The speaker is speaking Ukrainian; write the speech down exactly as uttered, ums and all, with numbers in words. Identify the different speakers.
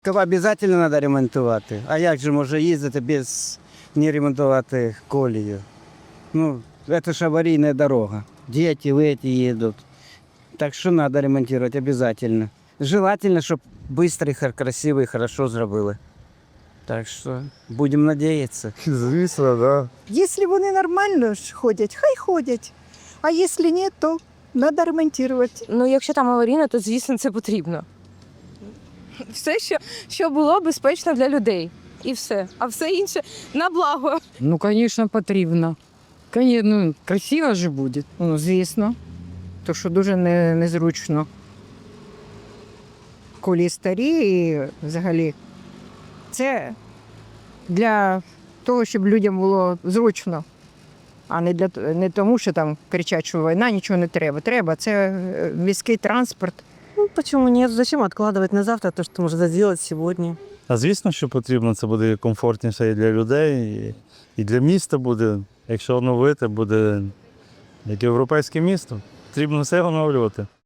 Speaker 1: Обов'язково треба ремонтувати. А як же може їздити без не ремонтувати колію? Ну, це ж аварійна дорога. Діти, виті їдуть. Так що треба ремонтувати обов'язково. Желательно, щоб швидко, красиво і хорошо зробили. Так що будемо надіятися.
Speaker 2: Звісно, да.
Speaker 3: Якщо вони нормально ж ходять, хай ходять. А якщо ні, то треба ремонтувати.
Speaker 4: Ну, якщо там аварійно, то звісно це потрібно. Все, що, що було безпечно для людей. І все. А все інше на благо.
Speaker 5: Ну, звісно, потрібно. Коні- Ну, красиво ж буде. Ну, звісно. То, що дуже не, незручно. Колії старі і взагалі. Це для того, щоб людям було зручно. А не, для, т- не тому, що там кричать, що війна, нічого не треба. Треба. Це е, міський транспорт.
Speaker 6: Ну, почему нет? Зачем откладывать на завтра то, что можно сделать сегодня?
Speaker 7: А звісно, що потрібно, це буде комфортніше і для людей, і, і для міста буде. Якщо оновити, буде як європейське місто. Потрібно все оновлювати.